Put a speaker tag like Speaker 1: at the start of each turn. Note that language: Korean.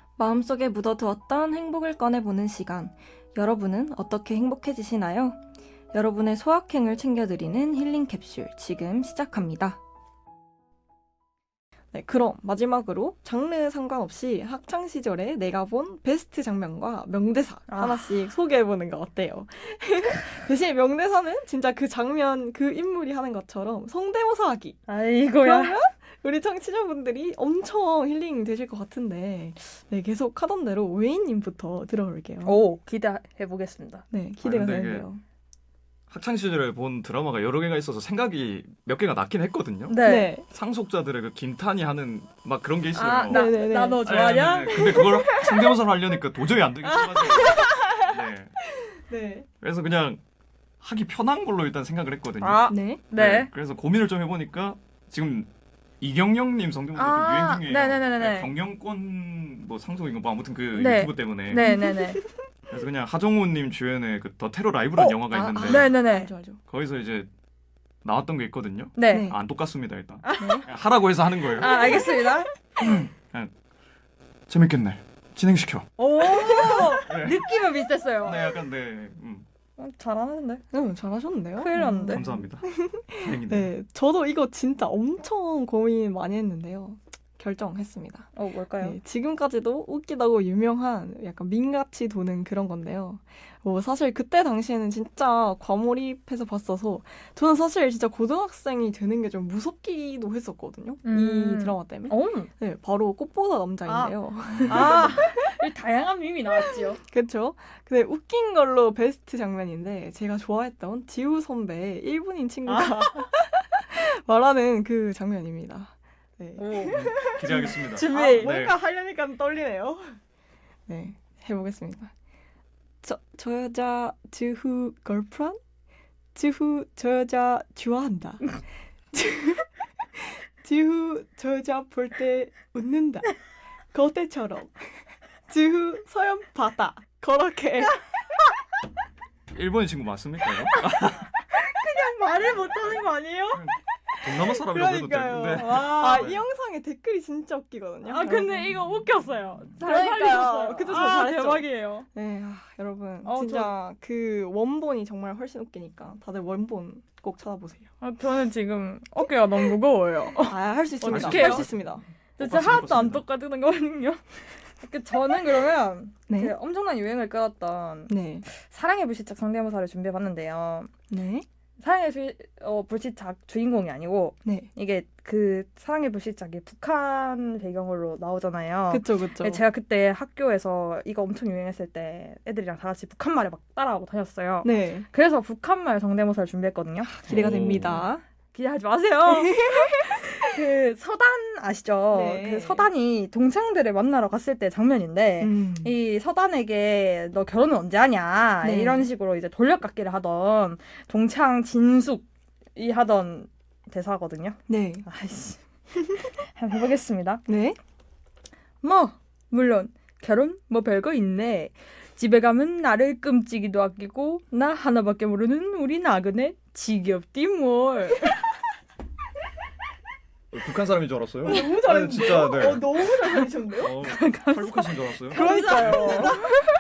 Speaker 1: 마음속에 묻어두었던 행복을 꺼내보는 시간. 여러분은 어떻게 행복해지시나요? 여러분의 소확행을 챙겨드리는 힐링 캡슐 지금 시작합니다. 네, 그럼 마지막으로 장르 상관없이 학창 시절에 내가 본 베스트 장면과 명대사 하나씩 소개해보는 거 어때요? 대신 명대사는 진짜 그 장면, 그 인물이 하는 것처럼 성대모사하기.
Speaker 2: 아이고야.
Speaker 1: 그러면 우리 청취자분들이 엄청 힐링 되실 것 같은데, 네, 계속 하던 대로 웨이님부터 들어볼게요.
Speaker 2: 오, 기대해보겠습니다.
Speaker 1: 네, 기대가
Speaker 3: 근데 이게
Speaker 1: 되는데요.
Speaker 3: 학창 시절에 본 드라마가 여러 개가 있어서 생각이 몇 개가 났긴 했거든요.
Speaker 2: 네.
Speaker 3: 상속자들의 그 김탄이 하는 막 그런 게 있어요.
Speaker 2: 아,
Speaker 1: 네네네.
Speaker 2: 나 너 좋아하냐?
Speaker 3: 네. 근데 그걸 성대모사를 하려니까 도저히 안 되겠어가지고. 네.
Speaker 1: 네.
Speaker 3: 그래서 그냥 하기 편한 걸로 일단 생각을 했거든요.
Speaker 2: 아,
Speaker 1: 네.
Speaker 2: 네.
Speaker 3: 그래서 고민을 좀 해보니까 지금 이경영님 성대모사
Speaker 2: 아,
Speaker 3: 좀 유행 중이에요.
Speaker 2: 네네네네.
Speaker 3: 경영권 뭐 상속인가 뭐 아무튼 그
Speaker 2: 네.
Speaker 3: 유튜브 때문에.
Speaker 2: 네네네.
Speaker 3: 그래서 그냥 하정우님 주연의 그 더 테러 라이브라는 영화가 있는데
Speaker 2: 네네네.
Speaker 1: 알죠.
Speaker 3: 거기서 이제 나왔던 게 있거든요.
Speaker 2: 네.
Speaker 1: 네.
Speaker 3: 안 똑같습니다 일단.
Speaker 1: 네.
Speaker 3: 그냥 하라고 해서 하는 거예요.
Speaker 2: 아, 알겠습니다.
Speaker 3: 재밌겠네. 진행시켜.
Speaker 2: 오,
Speaker 3: 네.
Speaker 2: 느낌은 비슷했어요.
Speaker 3: 네, 약간 네.
Speaker 2: 잘하는데?
Speaker 1: 잘하셨는데요?
Speaker 2: 큰일 났는데.
Speaker 3: 감사합니다. 다행이네.
Speaker 1: 네, 저도 이거 진짜 엄청 고민 많이 했는데요. 결정했습니다.
Speaker 2: 뭘까요?
Speaker 1: 네, 지금까지도 웃기다고 유명한 약간 밈같이 도는 그런 건데요. 사실 그때 당시에는 진짜 과몰입해서 봤어서 저는 사실 진짜 고등학생이 되는 게 좀 무섭기도 했었거든요. 이 드라마 때문에.
Speaker 2: 오,
Speaker 1: 네, 바로 꽃보다 남자인데요.
Speaker 2: 이 다양한 밈이 나왔지요.
Speaker 1: 그렇죠? 근데 웃긴 걸로 베스트 장면인데 제가 좋아했던 지우 선배의 일본인 친구가 말하는 그 장면입니다. 네.
Speaker 2: 오,
Speaker 3: 기대하겠습니다.
Speaker 2: 준비.
Speaker 3: 네.
Speaker 1: 뭔가 하려니까 떨리네요. 네, 해보겠습니다. 저 여자 지후 걸프란? 지후 저 여자 좋아한다. 지후 저 여자 볼 때 웃는다. 거대처럼. 지후 서연 바다. 그렇게.
Speaker 3: 일본인 친구 맞습니까? 이거?
Speaker 2: 말을 못하는 거 아니에요?
Speaker 3: 동남아 사람이라고 해도
Speaker 1: 그러니까요.
Speaker 3: 되는데.
Speaker 1: 이 영상에 댓글이 진짜 웃기거든요.
Speaker 2: 근데 이거 웃겼어요. 잘
Speaker 1: 그러니까요.
Speaker 2: 살리셨어요.
Speaker 1: 그쵸, 저 잘했죠?
Speaker 2: 대박이에요.
Speaker 1: 네, 여러분
Speaker 2: 어,
Speaker 1: 진짜 그 원본이 정말 훨씬 웃기니까 다들 원본 꼭 찾아보세요.
Speaker 2: 저는 지금 어깨가 너무 무거워요.
Speaker 1: 할 수 있습니다.
Speaker 2: 어떡해요?
Speaker 1: 할 수 있습니다.
Speaker 2: 진짜 하나도 안 똑같은 거거든요. 저는 그러면
Speaker 1: 네.
Speaker 2: 그 엄청난 유행을 끌었던
Speaker 1: 네.
Speaker 2: 사랑의 불시착 성대모사를 준비해봤는데요.
Speaker 1: 네.
Speaker 2: 사랑의 불시착 주인공이 아니고
Speaker 1: 네.
Speaker 2: 이게 그 사랑의 불시착이 북한 배경으로 나오잖아요.
Speaker 1: 그쵸, 그쵸.
Speaker 2: 네, 제가 그때 학교에서 이거 엄청 유행했을 때 애들이랑 다 같이 북한말을 막 따라하고 다녔어요.
Speaker 1: 네.
Speaker 2: 그래서 북한말 성대모사를 준비했거든요.
Speaker 1: 기대가
Speaker 3: 오.
Speaker 1: 됩니다.
Speaker 2: 기대하지 마세요. 그 서단 아시죠?
Speaker 1: 네.
Speaker 2: 그 서단이 동창들을 만나러 갔을 때 장면인데 이 서단에게 너 결혼은 언제 하냐
Speaker 1: 네.
Speaker 2: 이런 식으로 이제 돌려깎기를 하던 동창 진숙이 하던 대사거든요.
Speaker 1: 네.
Speaker 2: 아이씨. 한번 해보겠습니다.
Speaker 1: 네.
Speaker 2: 뭐 물론 결혼 뭐 별거 있네. 집에 가면 나를 끔찍이도 아끼고 나 하나밖에 모르는 우리 나그네 지겹디 뭘.
Speaker 3: 북한 사람인 줄 알았어요.
Speaker 1: 너무 잘했는데요?
Speaker 3: 진짜 네.
Speaker 1: 너무 잘 살리셨는데요?
Speaker 3: 탈북하신 줄 알았어요.
Speaker 1: 그러니까요.